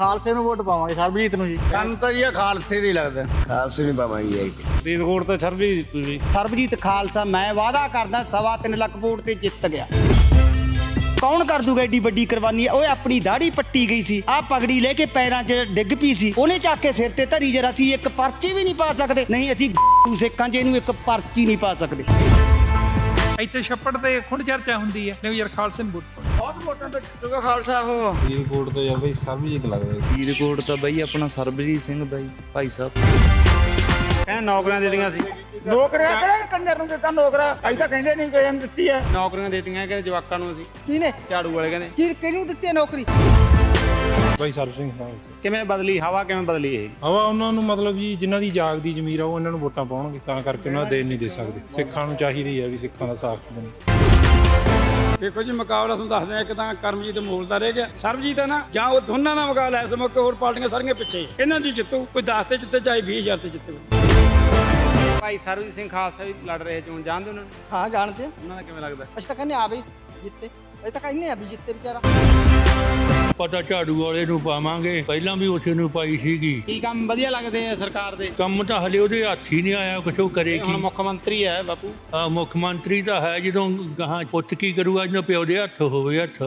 ਖਾਲਸੇ ਨੂੰ ਵੋਟ ਪਾਵਾਂਗੇ, ਸਰਬਜੀਤ ਨੂੰ ਜੀ। ਸਾਨੂੰ ਤਾਂ ਜੀ ਖਾਲਸੇ ਦੀ ਲੱਗਦਾ। ਖਾਲਸੇ ਨਹੀਂ ਪਾਵਾਂਗੇ ਫਰੀਦਕੋਟ ਤੋਂ ਸਰਬਜੀਤ ਖਾਲਸਾ ਮੈਂ ਵਾਅਦਾ ਕਰਦਾ 3.25 ਲੱਖ ਵੋਟ ਤੇ ਜਿੱਤ ਗਿਆ। ਕੌਣ ਕਰ ਦੂਗਾ ਏਡੀ ਵੱਡੀ ਕੁਰਬਾਨੀ? ਓਏ ਆਪਣੀ ਦਾੜੀ ਪੱਟੀ ਗਈ ਸੀ, ਆਹ ਪਗੜੀ ਲੈ ਕੇ ਪੈਰਾਂ 'ਚ ਡਿੱਗ ਪਈ ਸੀ, ਉਹਨੇ ਚੱਕ ਕੇ ਸਿਰ ਤੇ ਧਰੀ ਜਰਾ ਸੀ। ਇੱਕ ਪਰਚੀ ਵੀ ਨਹੀਂ ਪਾ ਸਕਦੇ। ਨਹੀਂ ਅਸੀਂ ਸਿੱਖਾਂ 'ਚ ਇਹਨੂੰ ਇੱਕ ਪਰਚੀ ਨਹੀਂ ਪਾ ਸਕਦੇ। ਇੱਥੇ ਛੱਪੜ ਤੇ ਖੁੰਡ ਚਰਚਾ ਹੁੰਦੀ ਹੈ ਨਹੀਂ ਯਾਰ ਖਾਲਸੇ ਨੂੰ ਵੋਟ ਪਾਓ। ਬਹੁਤ ਵੋਟਾਂ ਤੇ ਜਿੱਤੂਗਾ ਖਾਲਸਾ। ਉਹ ਫਰੀਦਕੋਟ ਤੋਂ ਯਾਰ ਬਈ ਸਰਬਜੀਤ ਲੱਗਦਾ। ਫਰੀਦਕੋਟ ਤਾਂ ਬਈ ਆਪਣਾ ਸਰਬਜੀਤ ਸਿੰਘ ਬਾਈ ਭਾਈ ਸਾਹਿਬ। ਕਹਿੰਦੇ ਨੌਕਰੀਆਂ ਦੇ ਦਿੱਤੀਆਂ ਸੀ। ਨੌਕਰੀਆਂ ਕਿਹੜੇ ਕੰਜਰ ਨੂੰ ਦਿੱਤਾ ਨੌਕਰੀਆਂ? ਅਸੀਂ ਤਾਂ ਕਹਿੰਦੇ ਨਹੀਂ ਕਿਸੇ ਨੂੰ ਦਿੱਤੀ ਹੈ। ਨੌਕਰੀਆਂ ਦਿੱਤੀਆਂ ਕਿ ਜਵਾਕਾਂ ਨੂੰ ਅਸੀਂ ਕਿਹਨੇ? ਝਾੜੂ ਵਾਲੇ ਕਹਿੰਦੇ ਕਿਹਨੂੰ ਦਿੱਤੀ ਹੈ ਨੌਕਰੀ? ਬਾਈ ਸਰਬ ਸਿੰਘ ਖਾਲਸਾ। ਕਿਵੇਂ ਬਦਲੀ ਹਵਾ? ਕਿਵੇਂ ਬਦਲੀ ਇਹ? ਹਵਾ ਉਹਨਾਂ ਨੂੰ ਮਤਲਬ ਜੀ ਜਿਨ੍ਹਾਂ ਦੀ ਜਾਗਦੀ ਜ਼ਮੀਰ ਆ ਉਹ ਇਹਨਾਂ ਨੂੰ ਵੋਟਾਂ ਪਾਉਣਗੇ, ਤਾਂ ਕਰਕੇ ਉਹਨਾਂ ਦੇਣ ਨਹੀਂ ਦੇ ਸਕਦੇ। ਸਿੱਖਾਂ ਨੂੰ ਚਾਹੀਦੀ ਹੈ ਵੀ ਸਿੱਖਾਂ ਦਾ ਸਾਥ ਦੇਣ। ਦੇਖੋ ਜੀ ਮੁਕਾਬਲਾ ਤੁਹਾਨੂੰ ਦੱਸਦੇ ਆ, ਇੱਕ ਤਾਂ ਕਰਮਜੀਤ ਮੋਲ ਦਾ ਰਹਿ ਗਿਆ, ਸਰਬਜੀਤ ਹੈ ਨਾ, ਜਾਂ ਉਹ ਦੋਨਾਂ ਦਾ ਮੁਕਾਬਲਾ ਇਸ ਮੌਕੇ ਹੋਰ ਪਾਰਟੀਆਂ ਸਾਰੀਆਂ ਪਿੱਛੇ। ਇਹਨਾਂ 'ਚ ਜਿੱਤੂ ਕੋਈ 10 ਤੇ ਜਿੱਤੇ, ਚਾਹੇ 20,000 ਤੇ ਜਿੱਤੇ। ਭਾਈ ਸਰਬਜੀਤ ਸਿੰਘ ਖਾਲਸਾ ਵੀ ਲੜ ਰਹੇ ਚੋਣ, ਜਾਣਦੇ ਉਹਨਾਂ ਨੂੰ? ਹਾਂ ਜਾਣਦੇ ਆ। ਉਹਨਾਂ ਦਾ ਕਿਵੇਂ ਲੱਗਦਾ? ਅਸੀਂ ਤਾਂ ਕਹਿੰਦੇ ਆ ਬਈ ਜਿੱਤੇ, ਅਸੀਂ ਤਾਂ ਕਹਿੰਦੇ ਆ ਵੀ ਜਿੱਤੇ ਵਿਚਾਰਾ। ਪਤਾ ਝਾੜੂ ਵਾਲੇ ਨੂੰ ਪਾਵਾਂਗੇ, ਪਹਿਲਾਂ ਵੀ ਉਸੇ ਨੂੰ ਪਾਈ ਸੀਗੀ। ਕੀ ਕੰਮ ਵਧੀਆ ਲੱਗਦੇ ਆ ਸਰਕਾਰ ਦੇ? ਕੰਮ ਤਾਂ ਹਲੇ ਉਹਦੇ ਹੱਥ ਹੀ ਨਹੀਂ ਆਇਆ, ਕੁਛ ਉਹ ਕਰੇ ਹੁਣ ਕੀ। ਮੁੱਖ ਮੰਤਰੀ ਹੈ ਬਾਪੂ। ਮੁੱਖ ਮੰਤਰੀ ਤਾਂ ਹੈ, ਜਦੋਂ ਗਾਹਾਂ ਪੁੱਤ ਕੀ ਕਰੂਗਾ ਜਦੋਂ ਪਿਓ ਦੇ ਹੱਥ ਹੋਵੇ ਹੱਥ।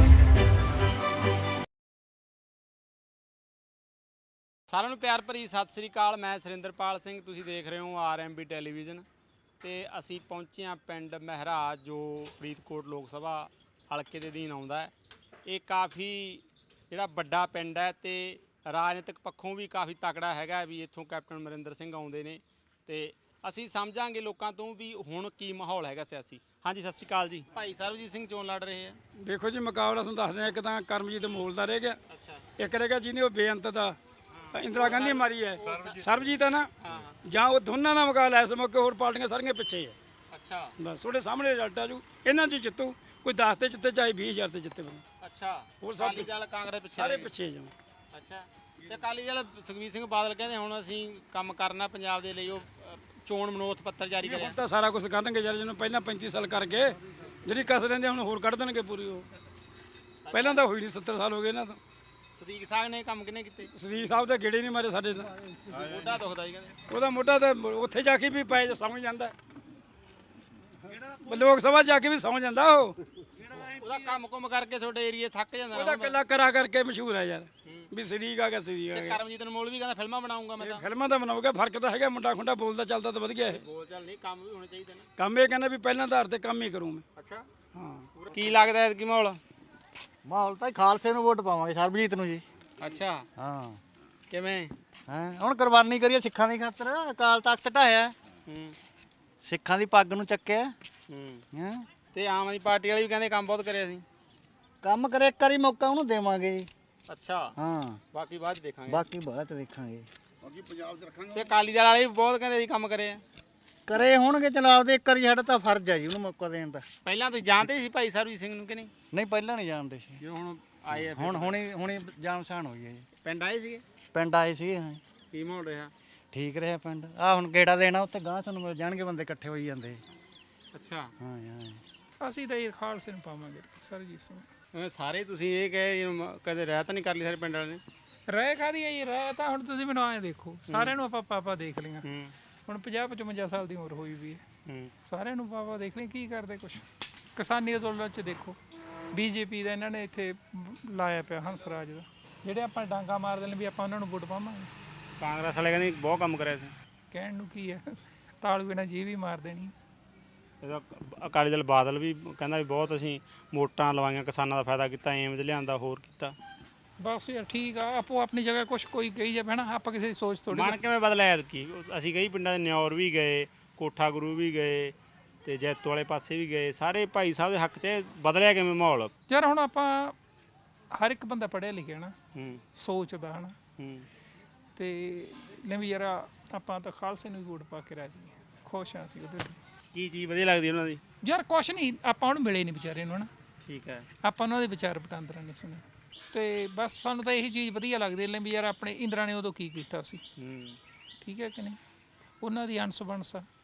ਸਾਰਿਆਂ ਨੂੰ ਪਿਆਰ ਭਰੀ ਸਤਿ ਸ੍ਰੀ ਅਕਾਲ। ਮੈਂ ਸੁਰਿੰਦਰਪਾਲ ਸਿੰਘ, ਤੁਸੀਂ ਦੇਖ ਰਹੇ ਹੋ RMB ਟੈਲੀਵਿਜ਼ਨ ਤੇ ਅਸੀਂ ਪਹੁੰਚੇ ਹਾਂ ਪਿੰਡ ਮਹਿਰਾਜ, ਜੋ ਫਰੀਦਕੋਟ ਲੋਕ ਸਭਾ ਹਲਕੇ ਦੇ ਅਧੀਨ ਆਉਂਦਾ ਹੈ। ਇਹ ਕਾਫੀ ਜਿਹੜਾ ਵੱਡਾ ਪਿੰਡ ਹੈ ਤੇ ਰਾਜਨੀਤਿਕ ਪੱਖੋਂ ਵੀ ਕਾਫੀ ਤਕੜਾ ਹੈਗਾ ਵੀ ਇੱਥੋਂ ਕੈਪਟਨ ਅਮਰਿੰਦਰ ਸਿੰਘ ਆਉਂਦੇ ਨੇ ਤੇ ਅਸੀਂ ਸਮਝਾਂਗੇ ਲੋਕਾਂ ਤੋਂ ਵੀ ਹੁਣ ਕੀ ਮਾਹੌਲ ਹੈਗਾ ਸਿਆਸੀ। ਹਾਂਜੀ ਸਤਿ ਸ੍ਰੀ ਅਕਾਲ ਜੀ। ਭਾਈ ਸਰਬਜੀਤ ਸਿੰਘ ਚੋਣ ਲੜ ਰਹੇ ਆ। ਦੇਖੋ ਜੀ ਮੁਕਾਬਲਾ ਤੁਹਾਨੂੰ ਦੱਸਦੇ ਆ, ਇੱਕ ਤਾਂ ਕਰਮਜੀਤ ਮੋਲ ਦਾ ਰਹਿ ਗਿਆ, ਇੱਕ ਰਹਿ ਗਿਆ ਜਿਹਨੇ ਉਹ ਬੇਅੰਤ ਦਾ ਇੰਦਰਾ ਗਾਂਧੀ ਮਾਰੀ ਹੈ, ਸਰਬਜੀਤ ਹੈ ਨਾ, ਜਾਂ ਉਹ ਦੋਨਾਂ ਦਾ ਮੁਕਾਬਲਾ ਇਸ ਮੌਕੇ ਹੋਰ ਪਾਰਟੀਆਂ ਸਾਰੀਆਂ ਪਿੱਛੇ ਹੈ। ਅੱਛਾ, ਬਸ ਤੁਹਾਡੇ ਸਾਹਮਣੇ ਰਿਜ਼ਲਟ ਆ ਜੂ। ਇਹਨਾਂ 'ਚ ਜਿੱਤੂ ਕੋਈ 10 ਤੇ ਜਿੱਤੇ, ਚਾਹੇ 20,000 ਤੇ ਜਿੱਤੇ। ਅੱਛਾ, ਹੋਰ ਸਭ ਅਕਾਲੀ ਦਲ ਕਾਂਗਰਸ ਪਿੱਛੇ ਸਾਰੇ ਰਹਿ ਗਏ। ਪਿੱਛੇ ਜਾਵਾਂ। ਅੱਛਾ, ਤੇ ਅਕਾਲੀ ਦਲ ਸੁਖਬੀਰ ਸਿੰਘ ਬਾਦਲ ਕਹਿੰਦੇ ਹੁਣ ਅਸੀਂ ਕੰਮ ਕਰਨਾ ਪੰਜਾਬ ਦੇ ਲਈ, ਉਹ ਚੋਣ ਮਨੋਰਥ ਪੱਤਰ ਜਾਰੀ ਕਰਿਆ। ਹੁਣ ਤਾਂ ਸਾਰਾ ਕੁਝ ਕਰਨਗੇ ਯਾਰ, ਜਿਹਨੂੰ ਪਹਿਲਾਂ 35 ਸਾਲ ਕਰ ਗਏ, ਜਿਹੜੀ ਕਸ ਲੈਂਦੇ ਹੁਣ ਹੋਰ ਕੱਢ ਦੇਣਗੇ ਪੂਰੀ। ਉਹ ਪਹਿਲਾਂ ਤਾਂ ਹੋਈ ਨਹੀਂ, 70 ਸਾਲ ਹੋ ਗਏ ਇਹਨਾਂ ਤੋਂ। ਸਦੀਕ ਸਾਹਿਬ ਨੇ ਕੰਮ ਕਿਹਨੇ ਕੀਤੇ? ਸਦੀਕ ਸਾਹਿਬ ਦੇ ਗੇੜੇ ਨਹੀਂ ਮਾਰੇ ਸਾਡੇ ਤਾਂ। ਮੋਢਾ ਦੁਖਦਾ ਜੀ ਕਹਿੰਦੇ। ਉਹਦਾ ਮੋਢਾ ਤਾਂ ਉੱਥੇ ਜਾ ਕੇ ਵੀ ਪੈ ਜਾ ਸਮਝ ਜਾਂਦਾ, ਲੋਕ ਸਭਾ ਜਾ ਕੇ ਵੀ ਸਮਝ ਜਾਂਦਾ। ਉਹਦਾ ਕੰਮ ਕੁਮ ਕਰਕੇ ਤੁਹਾਡੇ ਏਰੀਏ ਥੱਕ ਜਾਂਦਾ ਉਹਦਾ ਕੱਲਾ ਕਰਾ ਕਰਕੇ ਮਸ਼ਹੂਰ ਹੈ ਯਾਰ, ਵੀ ਸਦੀਕ ਆ ਗਿਆ, ਸਦੀਕ ਆ ਗਿਆ। ਕਰਮਜੀਤ ਅਨਮੋਲ ਵੀ ਕਹਿੰਦਾ ਫਿਲਮਾਂ ਬਣਾਉਂਗਾ ਮੈਂ ਤਾਂ। ਫਿਲਮਾਂ ਤਾਂ ਬਣਾਉਗਾ, ਫਰਕ ਤਾਂ ਹੈਗਾ, ਮੁੰਡਾ ਖੁੰਡਾ ਬੋਲਦਾ ਚੱਲਦਾ ਤਾਂ ਵਧੀਆ ਇਹ। ਬੋਲ ਚੱਲ ਨਹੀਂ, ਕੰਮ ਵੀ ਹੋਣੇ ਚਾਹੀਦੇ ਨੇ। ਕੰਮ ਇਹ ਕਹਿੰਦਾ ਵੀ ਪਹਿਲਾਂ ਆਧਾਰ ਤੇ ਕੰਮ ਹੀ ਕਰੂੰ ਮੈਂ। ਅੱਛਾ, ਹਾਂ। ਕੀ ਲੱਗਦਾ ਹੈ ਕੀ ਮਾਹੌਲ? ਮਾਹੌਲ ਤਾਂ ਖਾਲਸੇ ਨੂੰ ਵੋਟ ਪਾਵਾਂਗੇ, ਸਰਬਜੀਤ ਨੂੰ ਜੀ। ਅੱਛਾ, ਹਾਂ ਕਿਵੇਂ? ਹੁਣ ਕੁਰਬਾਨੀ ਕਰੀਏ ਸਿੱਖਾਂ ਦੀ ਖਾਤਰ। ਅਕਾਲ ਤਖਤ ਢਾਇਆ, ਸਿੱਖਾਂ ਦੀ ਪੱਗ ਨੂੰ ਚੱਕਿਆ। ਹਾਂ, ਤੇ ਆਮ ਆਦਮੀ ਪਾਰਟੀ ਵਾਲੇ ਵੀ ਕਹਿੰਦੇ ਕੰਮ ਬਹੁਤ ਕਰਿਆ ਸੀ। ਕੰਮ ਕਰੇ, ਇੱਕ ਵਾਰੀ ਮੌਕਾ ਉਹਨੂੰ ਦੇਵਾਂਗੇ ਜੀ। ਅੱਛਾ, ਹਾਂ, ਬਾਕੀ ਬਾਅਦ 'ਚ ਦੇਖਾਂਗੇ। ਬਾਕੀ ਬਾਅਦ ਦੇਖਾਂਗੇ। ਤੇ ਅਕਾਲੀ ਦਲ ਵਾਲੇ ਵੀ ਬਹੁਤ ਕਹਿੰਦੇ ਸੀ ਕੰਮ ਕਰਿਆ। ਕਰੇ ਹੋਣਗੇ ਚਲਾਬ ਦੇ, ਇੱਕ ਵਾਰੀ ਸਾਡਾ ਤਾਂ ਫਰਜ਼ ਹੈ ਜੀ ਉਹਨੂੰ ਮੌਕਾ ਦੇਣ ਦਾ। ਪਹਿਲਾਂ ਤੁਸੀਂ ਜਾਣਦੇ ਸੀ ਭਾਈ ਸਰਬਜੀਤ ਸਿੰਘ ਨੂੰ ਕਿ ਨਹੀਂ? ਨਹੀਂ, ਪਹਿਲਾਂ ਨਹੀਂ ਜਾਣਦੇ ਸੀ। ਜੋ ਹੁਣ ਆਏ ਆ ਹੁਣੀ ਜਾਣ ਪਛਾਣ ਹੋਈ ਹੈ ਜੀ। ਪਿੰਡ ਆਏ ਸੀਗੇ? ਪਿੰਡ ਆਏ ਸੀਗੇ। ਹਾਂ, ਕੀ ਮਾਹੌਲ ਰਿਹਾ? ਠੀਕ ਰਿਹਾ ਪਿੰਡ। ਆ ਹੁਣ ਗੇੜਾ ਦੇਣਾ, ਉੱਥੇ ਗਾਂ ਤੁਹਾਨੂੰ ਮਿਲ ਜਾਣਗੇ, ਬੰਦੇ ਇਕੱਠੇ ਹੋਈ ਜਾਂਦੇ। ਅੱਛਾ, ਹਾਂ ਹਾਂ, ਅਸੀਂ ਤਾਂ ਇਹ ਖਾਲਸੇ ਨੂੰ ਪਾਵਾਂਗੇ, ਸਰਬਜੀਤ ਸਿੰਘ। ਸਾਰੇ ਤੁਸੀਂ ਇਹ ਕਹੇ ਕਦੇ ਰਹਿ ਤਾਂ ਨਹੀਂ ਕਰ ਲਈ ਸਾਰੇ ਪਿੰਡ ਵਾਲੇ ਨੇ? ਰਹਿ ਖਾਦੀ ਆਈ ਰਹਿ ਤਾਂ ਹੁਣ ਤੁਸੀਂ ਮੈਨੂੰ ਆਏ ਦੇਖੋ, ਸਾਰਿਆਂ ਨੂੰ ਆਪਾਂ ਪਾਪਾ ਦੇਖ ਲਈਆਂ। ਹੁਣ 50-55 ਸਾਲ ਦੀ ਉਮਰ ਹੋਈ ਵੀ ਹੈ, ਸਾਰਿਆਂ ਨੂੰ ਪਾਪਾ ਦੇਖ ਲਈ ਕੀ ਕਰਦੇ ਕੁਛ। ਕਿਸਾਨੀ ਅੰਦੋਲਨ 'ਚ ਦੇਖੋ, BJP ਦਾ ਇਹਨਾਂ ਨੇ ਇੱਥੇ ਲਾਇਆ ਪਿਆ ਹੰਸਰਾਜ ਦਾ, ਜਿਹੜੇ ਆਪਾਂ ਡਾਂਗਾ ਮਾਰਦੇ ਨੇ ਵੀ ਆਪਾਂ ਉਹਨਾਂ ਨੂੰ ਵੋਟ ਪਾਵਾਂਗੇ। ਕਾਂਗਰਸ ਵਾਲੇ ਕਹਿੰਦੇ ਬਹੁਤ ਕੰਮ ਕਰਿਆ ਸੀ। ਕਹਿਣ ਨੂੰ ਕੀ ਹੈ, ਤਾਲੂ ਇਹਨਾਂ ਜੀ ਵੀ ਮਾਰ ਦੇਣੀ। ਇਹਦਾ ਅਕਾਲੀ ਦਲ ਬਾਦਲ ਵੀ ਕਹਿੰਦਾ ਵੀ ਬਹੁਤ ਅਸੀਂ ਵੋਟਾਂ ਲਵਾਈਆਂ, ਕਿਸਾਨਾਂ ਦਾ ਫਾਇਦਾ ਕੀਤਾ, ਏਮਜ਼ ਲਿਆਂਦਾ, ਹੋਰ ਕੀਤਾ। ਬਸ ਯਾਰ ਠੀਕ ਆ, ਆਪੋ ਆਪਣੀ ਜਗ੍ਹਾ ਕੁਛ ਕੋਈ ਕਹੀ ਜਾਵੇ ਨਾ, ਆਪਾਂ ਕਿਸੇ ਦੀ ਸੋਚ ਥੋੜੀ। ਮਨ ਕਿਵੇਂ ਬਦਲਿਆ ਐਤਕੀ? ਅਸੀਂ ਕਈ ਪਿੰਡਾਂ ਦੇ ਨਿਉਰ ਵੀ ਗਏ, ਕੋਠਾ ਗੁਰੂ ਵੀ ਗਏ ਤੇ ਜੈਤੋ ਵਾਲੇ ਪਾਸੇ ਵੀ ਗਏ, ਸਾਰੇ ਭਾਈ ਸਾਹਿਬ ਦੇ ਹੱਕ 'ਚ ਬਦਲਿਆ ਕਿਵੇਂ ਮਾਹੌਲ? ਯਾਰ ਹੁਣ ਆਪਾਂ ਹਰ ਇੱਕ ਬੰਦਾ ਪੜ੍ਹਿਆ ਲਿਖਿਆ ਨਾ, ਸੋਚਦਾ ਹਨਾ, ਤੇ ਲੈ ਵੀ ਯਾਰ ਆਪਾਂ ਤਾਂ ਖਾਲਸੇ ਨੂੰ ਵੋਟ ਪਾ ਕੇ ਰਾਜੀ ਖੁਸ਼ ਹਾਂ ਅਸੀਂ ਉਹਦੇ ਤੇ। ਕੀ ਚੀਜ਼ ਵਧੀਆ ਲੱਗਦੀ ਉਹਨਾਂ ਦੀ? ਯਾਰ ਕੁਛ ਨਹੀਂ, ਆਪਾਂ ਉਹਨੂੰ ਮਿਲੇ ਨਹੀਂ ਵਿਚਾਰੇ ਨੂੰ ਹਨਾ। ਠੀਕ ਹੈ, ਆਪਾਂ ਉਹਨਾਂ ਦੇ ਵਿਚਾਰ ਵਟਾਂਦਰਾ ਨਹੀਂ ਸੁਣੇ, ਤੇ ਬਸ ਸਾਨੂੰ ਤਾਂ ਇਹੀ ਚੀਜ਼ ਵਧੀਆ ਲੱਗਦੀ ਲੈ ਵੀ ਯਾਰ ਆਪਣੇ ਇੰਦਰਾ ਨੇ ਉਦੋਂ ਕੀ ਕੀਤਾ ਸੀ। ਠੀਕ ਹੈ ਕਿ ਨਹੀਂ, ਉਹਨਾਂ ਦੀ ਅੰਸ ਬੰਸ ਆ,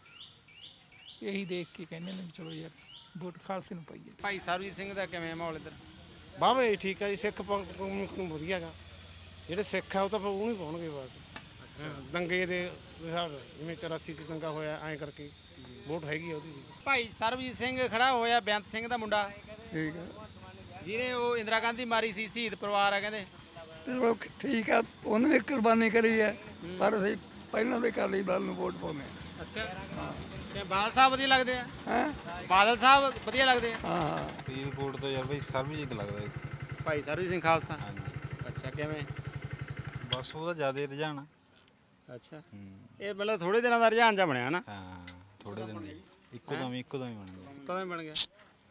ਇਹੀ ਦੇਖ ਕੇ ਕਹਿੰਦੇ ਨੇ ਚਲੋ ਯਾਰ ਵੋਟ ਖਾਲਸੇ ਨੂੰ ਪਾਈਏ। ਭਾਈ ਸਰਬਜੀਤ ਸਿੰਘ ਦਾ ਕਿਵੇਂ ਮਾਹੌਲ ਇੱਧਰ? ਬਾਵੇ ਠੀਕ ਹੈ ਜੀ, ਸਿੱਖ ਪੰਥ ਨੂੰ ਵਧੀਆ ਗਾ। ਜਿਹੜੇ ਸਿੱਖ ਆ ਉਹ ਤਾਂ ਫਿਰ ਉਹ ਨਹੀਂ ਪਾਉਣਗੇ ਵੋਟ। ਦੰਗੇ ਦੇ ਹਿਸਾਬ ਜਿਵੇਂ 84 ਚ ਦੰਗਾ ਹੋਇਆ ਐਂ ਕਰਕੇ ਵੋਟ ਹੈਗੀ ਆ ਉਹਦੀ ਵੀ। ਭਾਈ ਸਰਬਜੀਤ ਸਿੰਘ ਖੜਾ ਹੋਇਆ ਬੇਅੰਤ ਸਿੰਘ ਦਾ ਮੁੰਡਾ, ਠੀਕ ਹੈ ਜਿਹਨੇ ਉਹ ਇੰਦਰਾ ਗਾਂਧੀ ਮਾਰੀ ਸੀ, ਸ਼ਹੀਦ ਪਰਿਵਾਰ ਆ ਕਹਿੰਦੇ। ਚਲੋ ਠੀਕ ਆ, ਉਹਨੇ ਵੀ ਕੁਰਬਾਨੀ ਕਰੀ ਹੈ, ਪਰ ਅਸੀਂ ਪਹਿਲਾਂ ਦੇ ਅਕਾਲੀ ਦਲ ਨੂੰ ਵੋਟ ਪਾਉਂਦੇ ਹਾਂ। ਅੱਛਾ ਤੇ ਬਾਦਲ ਸਾਹਿਬ ਵਧੀਆ ਲੱਗਦੇ ਆ? ਹੈਂ? ਬਾਦਲ ਸਾਹਿਬ ਵਧੀਆ ਲੱਗਦੇ ਆ? ਹਾਂ ਫਰੀਦਕੋਟ ਤੋਂ ਯਾਰ ਬਈ ਸਰਬਜੀਤ ਲੱਗਦਾ ਜੀ। ਭਾਈ ਸਰਬਜੀਤ ਸਿੰਘ ਖਾਲਸਾ। ਹਾਂਜੀ ਅੱਛਾ ਕਿਵੇਂ? ਬਸ ਉਹਦਾ ਜ਼ਿਆਦਾ ਰੁਝਾਨ। ਅੱਛਾ ਇਹ ਮਤਲਬ ਥੋੜੇ ਦਿਨਾਂ ਦਾ ਰੁਝਾਨ ਜਾ ਬਣਿਆ ਨਾ? ਹਾਂ ਥੋੜੇ ਦਿਨ ਦੀ ਇੱਕੋ ਦਮ ਬਣ ਗਿਆ। ਕਦੋਂ ਬਣ ਗਿਆ?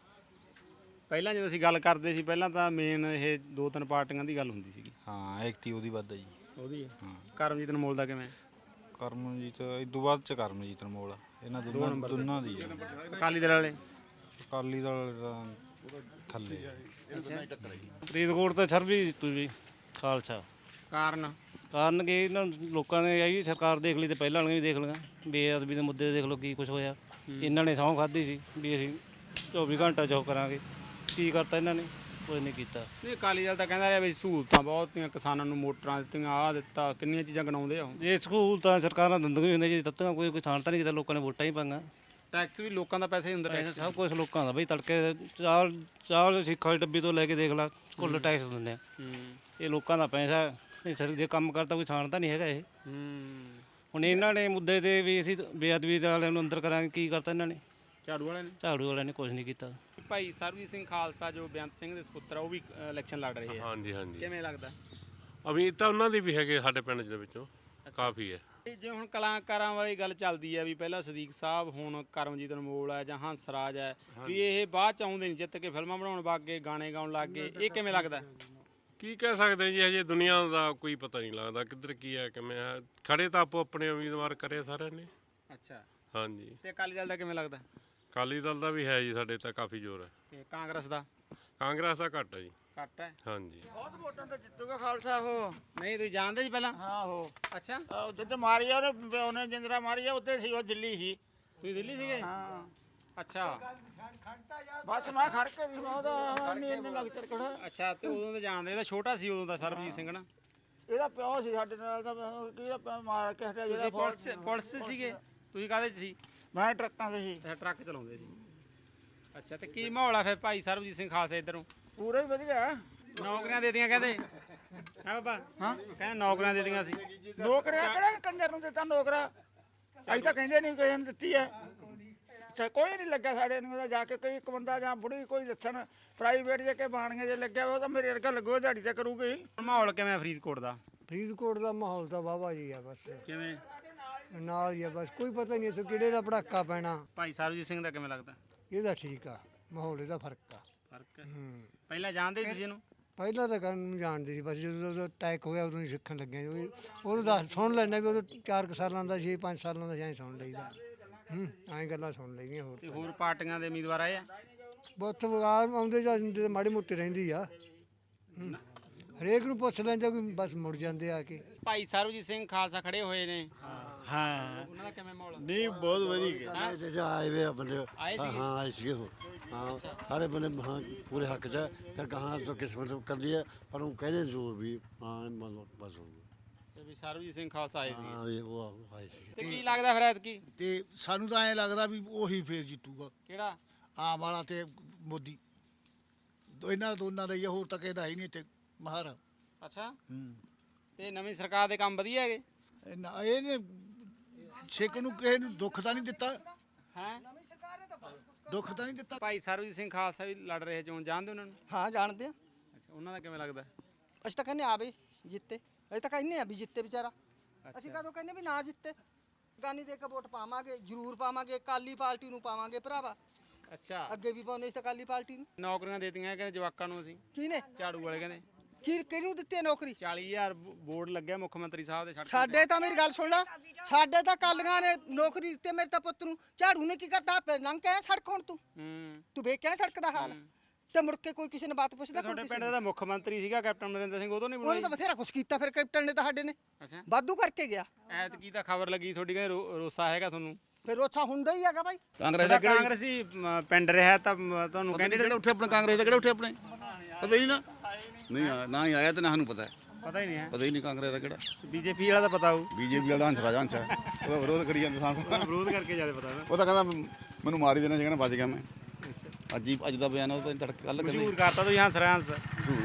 ਪਹਿਲਾਂ ਜਦੋਂ ਅਸੀਂ ਗੱਲ ਕਰਦੇ ਸੀ ਪਹਿਲਾਂ ਤਾਂ ਮੇਨ ਇਹ ਦੋ ਤਿੰਨ ਪਾਰਟੀਆਂ ਦੀ ਗੱਲ ਹੁੰਦੀ ਸੀਗੀ। ਹਾਂ ਐਕਟੀ ਉਹਦੀ ਵੱਧ ਹੈ ਜੀ। ਉਹਦੀ ਹੈ। ਹਾਂ ਕਰਮਜੀਤ ਅਨਮੋਲ ਦਾ ਕਿਵੇਂ? ਕਰਮਜੀਤ ਇਦੋਂ ਬਾਅਦ ਚ ਕਰਮਜੀਤ ਅਨਮੋਲ ਇਹਨਾਂ ਦੋਨਾਂ ਦੀ ਹੈ। ਅਕਾਲੀ ਦਲ ਵਾਲੇ? ਅਕਾਲੀ ਦਲ ਦਾ ਥੱਲੇ ਹੈ। ਫਰੀਦਕੋਟ ਤੋਂ ਸਰਬਜੀਤ ਜੀ ਖਾਲਸਾ। ਕਾਰਨ? ਕਾਰਨ ਕਿ ਇਹਨਾਂ ਲੋਕਾਂ ਨੇ ਆਈ ਸਰਕਾਰ ਦੇਖ ਲਈ ਤੇ ਪਹਿਲਾਂ ਵਾਲੀਆਂ ਵੀ ਦੇਖ ਲਈਆਂ, ਬੇਅਦਬੀ ਦੇ ਮੁੱਦੇ ਦੇਖ ਲਓ ਕੀ ਕੁਝ ਹੋਇਆ। ਇਹਨਾਂ ਨੇ ਸਹੁੰ ਖਾਧੀ ਸੀ ਵੀ ਅਸੀਂ 24 ਘੰਟਾ ਜੋ ਕਰਾਂਗੇ, ਕੀ ਕਰਤਾ ਇਹਨਾਂ ਨੇ? ਕੁਝ ਨਹੀਂ ਕੀਤਾ। ਨਹੀਂ ਅਕਾਲੀ ਦਲ ਤਾਂ ਕਹਿੰਦਾ ਰਿਹਾ ਵੀ ਸਹੂਲਤਾਂ ਬਹੁਤੀਆਂ ਕਿਸਾਨਾਂ ਨੂੰ, ਮੋਟਰਾਂ ਦਿੱਤੀਆਂ, ਆਹ ਦਿੱਤਾ, ਕਿੰਨੀਆਂ ਚੀਜ਼ਾਂ ਗਣਾਉਂਦੇ ਆ ਉਹ। ਇਹ ਸਕੂਲ ਤਾਂ ਸਰਕਾਰਾਂ ਦਿੰਦੀਆਂ ਹੀ ਹੁੰਦੀਆਂ ਜੀ, ਦਿੱਤੀਆਂ ਕੋਈ ਥਾਂ ਤਾਂ ਨਹੀਂ ਕੀਤਾ, ਲੋਕਾਂ ਨੇ ਵੋਟਾਂ ਹੀ ਪਾਈਆਂ। ਟੈਕਸ ਵੀ ਲੋਕਾਂ ਦਾ ਪੈਸਾ ਹੀ ਹੁੰਦਾ। ਟੈਕਸ ਸਭ ਕੁਝ ਲੋਕਾਂ ਦਾ ਬਈ, ਤੜਕੇ ਚਾਲ ਸਿੱਖਾਂ ਦੀ ਡੱਬੀ ਤੋਂ ਲੈ ਕੇ ਦੇਖ ਲਾ, ਕੁੱਲ ਟੈਕਸ ਦਿੰਦੇ ਆ। ਇਹ ਲੋਕਾਂ ਦਾ ਪੈਸਾ, ਇਹ ਸਰ ਜੇ ਕੰਮ ਕਰਦਾ ਕੋਈ ਥਾਂ ਤਾਂ ਨਹੀਂ ਹੈਗਾ ਇਹ। ਹੁਣ ਇਹਨਾਂ ਨੇ ਮੁੱਦੇ ਤੇ ਵੀ ਅਸੀਂ ਬੇਅਦਬੀ ਵਾਲਿਆਂ ਨੂੰ ਅੰਦਰ ਕਰਾਂਗੇ, ਕੀ ਕਰਤਾ ਇਹਨਾਂ ਨੇ? ਝਾੜੂ ਵਾਲਿਆਂ ਨੇ? ਝਾੜੂ ਵਾਲਿਆਂ ਨੇ ਕੁਝ ਨਹੀਂ ਕੀਤਾ। ਭਾਈ ਸਰਬਜੀਤ ਸਿੰਘ ਖਾਲਸਾ ਜੋ ਬੇਅੰਤ ਸਿੰਘ ਦੇ ਸੁਪੁੱਤਰ ਆ, ਉਹ ਵੀ ਇਲੈਕਸ਼ਨ ਲੜ ਰਹੇ ਆ। ਹਾਂਜੀ ਹਾਂਜੀ ਕਿਵੇਂ ਲੱਗਦਾ? ਅਮੀਰ ਤਾਂ ਉਹਨਾਂ ਦੀ ਵੀ ਹੈਗੇ ਸਾਡੇ ਪਿੰਡ ਦੇ ਵਿੱਚੋਂ ਕਾਫੀ ਹੈ। ਜੇ ਹੁਣ ਕਲਾਕਾਰਾਂ ਵਾਲੀ ਗੱਲ ਚੱਲਦੀ ਹੈ ਵੀ ਪਹਿਲਾਂ ਸਦੀਕ ਸਾਹਿਬ, ਹੁਣ ਕਰਮਜੀਤ ਅਨਮੋਲ ਹੈ ਜਾਂ ਹੰਸਰਾਜ ਹੈ, ਵੀ ਇਹ ਬਾਅਦ ਚ ਆਉਂਦੇ ਨਹੀਂ, ਜਿੱਤ ਕੇ ਫਿਲਮਾਂ ਬਣਾਉਣ ਲੱਗ ਗਏ, ਗਾਣੇ ਗਾਉਣ ਲੱਗ ਗਏ, ਇਹ ਕਿਵੇਂ ਲੱਗਦਾ? ਕੀ ਕਹਿ ਸਕਦੇ ਜੀ, ਹਜੇ ਦੁਨੀਆ ਦਾ ਕੋਈ ਪਤਾ ਨਹੀਂ ਲੱਗਦਾ ਕਿੱਧਰ ਕੀ ਹੈ ਕਿਵੇਂ ਹੈ। ਖੜੇ ਤਾਂ ਆਪੋ ਆਪਣੇ ਉਮੀਦਵਾਰ ਕਰੇ ਸਾਰਿਆਂ ਨੇ। ਅੱਛਾ ਹਾਂਜੀ ਤੇ ਅਕਾਲੀ ਦਲ ਦਾ ਕਿਵੇਂ ਲੱਗਦਾ? ਅਕਾਲੀ ਦਲ ਦਾ ਵੀ ਹੈ ਜੀ, ਸਾਡੇ ਤਾਂ ਕਾਫੀ ਜ਼ੋਰ ਹੈ। ਤੇ ਕਾਂਗਰਸ ਦਾ? ਕਾਂਗਰਸ ਦਾ ਘੱਟ ਹੈ ਜੀ। ਘੱਟ ਹੈ? ਹਾਂਜੀ ਬਹੁਤ ਵੋਟਾਂ ਤੇ ਜਿੱਤੂਗਾ ਖਾਲਸਾ ਉਹ। ਨਹੀਂ ਤੁਸੀਂ ਜਾਣਦੇ ਸੀ ਪਹਿਲਾਂ? ਹਾਂ ਉਹ ਅੱਛਾ ਜਿੱਦ ਮਾਰੀ ਆ ਉਹਨੇ ਜਿੰਦਰਾ ਮਾਰੀ ਆ, ਉੱਥੇ ਸੀ ਉਹ ਦਿੱਲੀ ਸੀ। ਤੁਸੀਂ ਦਿੱਲੀ ਸੀਗੇ? ਹਾਂ ਅੱਛਾ ਬਸ ਮੈਂ ਖੜ ਕੇ ਸੀ, ਮੈਂ ਉਹਦਾ ਨੀਂਦ ਲੱਗ ਚੜ ਖੜਾ। ਅੱਛਾ ਤੇ ਉਦੋਂ ਤਾਂ ਜਾਣਦੇ, ਇਹਦਾ ਛੋਟਾ ਸੀ ਉਦੋਂ ਦਾ ਸਰਬਜੀਤ ਸਿੰਘ ਨਾ। ਇਹਦਾ ਪਿਓ ਸੀ ਸਾਡੇ ਨਾਲ ਤਾਂ ਕਿਹਦਾ ਮਾਰ ਕੇ ਹਟਿਆ ਜਿਹੜਾ ਤੁਸੀਂ ਪੁਲਿਸ ਸੀਗੇ? ਤੁਸੀਂ ਕਾਹਦੇ 'ਚ ਸੀ? ਮੈਂ ਟਰੱਕਾਂ ਤੇ ਸੀ। ਅੱਛਾ ਟਰੱਕ ਚਲਾਉਂਦੇ ਸੀ। ਅੱਛਾ ਤੇ ਕੀ ਮਾਹੌਲ ਆ ਫਿਰ ਭਾਈ ਸਰਬਜੀਤ ਸਿੰਘ ਖਾਲਸਾ ਇੱਧਰੋਂ? ਪੂਰਾ ਹੀ ਵਧੀਆ। ਨੌਕਰੀਆਂ ਦੇ ਦਿੱਤੀਆਂ ਕਹਿੰਦੇ ਹੈ ਬਾਬਾ? ਹਾਂ ਕਹਿੰਦੇ ਨੌਕਰੀਆਂ ਦੇ ਦਿੱਤੀਆਂ ਸੀ। ਨੌਕਰੀਆਂ ਕਿਹੜਾ ਕੰਜਰ ਨੂੰ ਦਿੱਤਾ ਨੌਕਰਾ? ਅਸੀਂ ਤਾਂ ਕਹਿੰਦੇ ਨਹੀਂ ਕਿਸੇ ਨੂੰ ਦਿੱਤੀ ਹੈ। ਕੋਈ ਨਹੀਂ ਲੱਗਾ ਸਾਡੇ ਨੂੰ ਜਾ ਕੇ, ਕੋਈ ਇੱਕ ਬੰਦਾ ਜਾਂ ਬੁੜੀ ਕੋਈ ਦੱਸਣ ਪ੍ਰਾਈਵੇਟ ਜੇ ਕੇ ਬਾਣੀਆਂ ਜੇ ਲੱਗਿਆ ਉਹ ਤਾਂ ਮੇਰੇ ਵਰਗਾ ਲੱਗੋ, ਦਿਹਾੜੀ ਤੇ ਕਰੂਗੀ। ਮਾਹੌਲ ਕਿਵੇਂ ਫਰੀਦਕੋਟ ਦਾ? ਫਰੀਦਕੋਟ ਦਾ ਮਾਹੌਲ ਤਾਂ ਵਾਹਵਾ ਜੀ ਆ, ਬਸ ਕਿਵੇਂ ਨਾਲ ਹੀ ਆ, ਬਸ ਕੋਈ ਪਤਾ ਨਹੀਂ ਇੱਥੇ ਕਿਹੜੇ ਦਾ ਪੜਾਕਾ ਪੈਣਾ। ਭਾਈ ਸਰਬਜੀਤ ਸਿੰਘ ਦਾ ਕਿਵੇਂ ਲੱਗਦਾ? ਇਹਦਾ ਠੀਕ ਆ, ਮਾਹੌਲ ਇਹਦਾ ਫਰਕ ਆ। ਫਰਕ ਹੈ? ਪਹਿਲਾਂ ਜਾਣਦੇ ਸੀ ਤੁਸੀਂ ਇਹਨੂੰ? ਪਹਿਲਾਂ ਤਾਂ ਕਰਨ ਨੂੰ ਜਾਣਦੇ ਸੀ, ਬਸ ਜਦੋਂ ਅਟੈਕ ਹੋਇਆ ਉਦੋਂ ਹੀ ਸਿੱਖਣ ਲੱਗੇ। ਉਹਨੂੰ ਦੱਸ ਸੁਣ ਲੈਣਾ ਵੀ ਉਦੋਂ 4 ਸਾਲਾਂ ਦਾ ਸੀ, 5 ਸਾਲਾਂ ਦਾ ਸੀ, ਐਂ ਸੁਣ ਲਈਦਾ। ਐਂ ਗੱਲਾਂ ਸੁਣ ਲਈਆਂ। ਹੋਰ ਤੇ ਹੋਰ ਪਾਰਟੀਆਂ ਦੇ ਉਮੀਦਵਾਰ ਆਏ ਆ? ਬਹੁਤ ਆਉਂਦੇ ਜਾਂਦੇ ਤਾਂ ਮਾੜੀ ਮੋਟੀ ਰਹਿੰਦੀ ਆ। ਹਰੇਕ ਨੂੰ ਪੁੱਛ ਲੈਂਦੇ, ਕੋਈ ਬਸ ਮੁੜ ਜਾਂਦੇ ਆ ਕੇ। ਭਾਈ ਸਰਬਜੀਤ ਸਿੰਘ ਖਾਲਸਾ ਖੜੇ ਹੋਏ ਨੇ, ਹਾਂ ਉਹਨਾਂ ਦਾ ਕਿਵੇਂ ਮਾਹੌਲ? ਨਹੀਂ ਬਹੁਤ ਵਧੀਆ ਆਏ ਵੇ ਬੰਦੇ। ਆਏ ਸੀਗੇ? ਹਾਂ ਆਏ ਸੀਗੇ ਉਹ। ਹਾਂ ਸਾਰੇ ਬੰਦੇ ਹਾਂ ਪੂਰੇ ਹੱਕ 'ਚ ਹੈ। ਫਿਰ ਕਹਾਂ ਤਾਂ ਕਿਸਮਤ ਕਰਦੀ ਹੈ, ਪਰ ਉਹ ਕਹਿੰਦੇ ਜ਼ਰੂਰ ਵੀ ਹਾਂ ਬਸ ਤੇ ਵੀ ਸਰਬਜੀਤ ਸਿੰਘ ਖਾਲਸਾ ਆਏ ਸੀ। ਹਾਂ ਉਹ ਆਏ ਸੀ। ਤੇ ਕੀ ਲੱਗਦਾ ਫਿਰ ਐਤਕੀ? ਤੇ ਸਾਨੂੰ ਤਾਂ ਐਂ ਲੱਗਦਾ ਵੀ ਉਹੀ ਫੇਰ ਜਿੱਤੂਗਾ, ਕਿਹੜਾ? ਆਮ ਵਾਲਾ ਤੇ ਮੋਦੀ। ਇਹਨਾਂ ਦੋਨਾਂ ਦਾ ਹੀ ਆ, ਹੋਰ ਤਾਂ ਕਿਸੇ ਦਾ ਹੀ ਨਹੀਂ ਤੇ ਮਹਾਰ। ਅੱਛਾ ਤੇ ਨਵੀਂ ਸਰਕਾਰ ਦੇ ਕੰਮ ਵਧੀਆ ਹੈਗੇ? ਇਹਨੇ ਸਿੱਖ ਨੂੰ ਕਿਸੇ ਨੂੰ ਦੁੱਖ ਤਾਂ ਨਹੀਂ ਦਿੱਤਾ ਹੈ? ਦੁੱਖ ਤਾਂ ਨਹੀਂ ਦਿੱਤਾ। ਭਾਈ ਸਰਬਜੀਤ ਸਿੰਘ ਖਾਲਸਾ ਵੀ ਲੜ ਰਹੇ ਚੋਣ, ਜਾਣਦੇ ਉਹਨਾਂ ਨੂੰ? ਹਾਂ ਜਾਣਦੇ ਆ। ਅੱਛਾ ਉਹਨਾਂ ਦਾ ਕਿਵੇਂ ਲੱਗਦਾ? ਅਸੀਂ ਤਾਂ ਕਹਿੰਦੇ ਆ ਬਈ ਜਿੱਤੇ, ਅਸੀਂ ਤਾਂ ਕਹਿੰਦੇ ਆ ਵੀ ਜਿੱਤੇ ਵਿਚਾਰਾ। ਅਸੀਂ ਕਦੋਂ ਕਹਿੰਦੇ ਵੀ ਨਾ ਜਿੱਤੇ, ਗਾਨੀ ਦੇ ਕੇ ਵੋਟ ਪਾਵਾਂਗੇ, ਜ਼ਰੂਰ ਪਾਵਾਂਗੇ, ਅਕਾਲੀ ਪਾਰਟੀ ਨੂੰ ਪਾਵਾਂਗੇ ਭਰਾਵਾ। ਅੱਛਾ ਅੱਗੇ ਵੀ ਪਾਉਣੇ ਸੀ ਅਕਾਲੀ ਪਾਰਟੀ ਨੂੰ। ਨੌਕਰੀਆਂ ਦੇਤੀਆਂ ਕਹਿੰਦੇ ਜਵਾਕਾਂ ਨੂੰ ਅਸੀਂ। ਕਿਹਨੇ? ਝਾੜੂ ਵਾਲੇ ਕਹਿੰਦੇ ਕਿਹਨੂੰ ਦਿੱਤੀ ਨੌਕਰੀ? 40,000 ਬੋਰਡ ਲੱਗਿਆ ਮੁੱਖ ਮੰਤਰੀ ਸਾਹਿਬ ਦੇ। ਸਾਡੇ ਤਾਂ ਮੇਰੀ ਗੱਲ ਸੁਣ ਲੈ, ਸਾਡੇ ਤਾਂ ਕਾਲੀਆਂ ਨੇ ਨੌਕਰੀ ਦਿੱਤੀ ਮੇਰੇ ਤਾਂ ਪੁੱਤ ਨੂੰ। ਝਾੜੂ ਨੇ ਕੀ ਕਰਤਾ? ਲੰਘ ਕੇ ਆਇਆ ਸੜਕ ਹੁਣ ਤੂੰ ਵੇਖ ਕੇ ਆਇਆ ਸੜਕ ਦਾ ਹਾਲ? ਤੇ ਮੁੜ ਕੇ ਕੋਈ ਕਿਸੇ ਨੇ ਬਾਤ ਪੁੱਛਦਾ? ਤੁਹਾਡੇ ਪਿੰਡ ਦਾ ਮੁੱਖ ਮੰਤਰੀ ਸੀਗਾ ਕੈਪਟਨ ਅਮਰਿੰਦਰ ਸਿੰਘ, ਉਦੋਂ ਨਹੀਂ ਉਹਨੇ ਬਣਾਈ? ਤਾਂ ਬਥੇਰਾ ਕੁਛ ਕੀਤਾ ਫਿਰ ਕੈਪਟਨ ਨੇ ਤਾਂ ਸਾਡੇ ਨੇ। ਅੱਛਾ ਵਾਧੂ ਕਰਕੇ ਗਿਆ। ਐਤਕੀ ਤਾਂ ਖਬਰ ਲੱਗੀ ਤੁਹਾਡੀ ਕਹਿੰਦੇ ਰੋਸਾ ਹੈਗਾ ਤੁਹਾਨੂੰ। ਫਿਰ ਉੱਥਾ ਹੁੰਦਾ ਹੀ ਹੈਗਾ ਬਾਈ। ਕਾਂਗਰਸੀ ਪਿੰਡ ਰਿਹਾ ਤਾਂ ਤੁਹਾਨੂੰ ਕੈਂਡੀਡੇਟ ਉੱਠੇ ਆਪਣੇ ਕਾਂਗਰਸ ਦੇ ਕਿਹੜੇ ਉੱਠੇ ਆਪਣੇ ਪਤਾ ਹੀ ਨਾ ਹੀ ਆਇਆ ਤੇ ਨਾ ਸਾਨੂੰ ਪਤਾ। ਪਤਾ ਹੀ ਨਹੀਂ ਹੈ। ਪਤਾ ਹੀ ਨਹੀਂ ਕਾਂਗਰਸ ਦਾ ਕਿਹੜਾ। ਬੀਜੇਪੀ ਵਾਲਾ ਤਾਂ ਪਤਾ ਹੋਊ। ਬੀਜੇਪੀ ਵਾਲਾ ਹੰਸ ਰਾਜਾ ਹੰਸ ਹੈ, ਉਹਦਾ ਵਿਰੋਧ ਕਰੀ ਜਾਂਦੇ ਸਾਨੂੰ। ਵਿਰੋਧ ਕਰਕੇ ਜਿਆਦਾ ਪਤਾ ਨਾ। ਉਹ ਤਾਂ ਕਹਿੰਦਾ ਮੈਨੂੰ ਮਾਰ ਹੀ ਦੇਣਾ ਚਾਹੀਦਾ, ਬਚ ਗਿਆ ਮੈਂ। ਅੱਜ ਦਾ ਬਿਆਨ ਉਹ ਤਾਂ ਤੜਕੇ ਕੱਲ ਮਸ਼ਹੂਰ ਕਰਤਾ ਤੁਸੀਂ ਹੰਸ ਰਾਜ ਹੰਸ।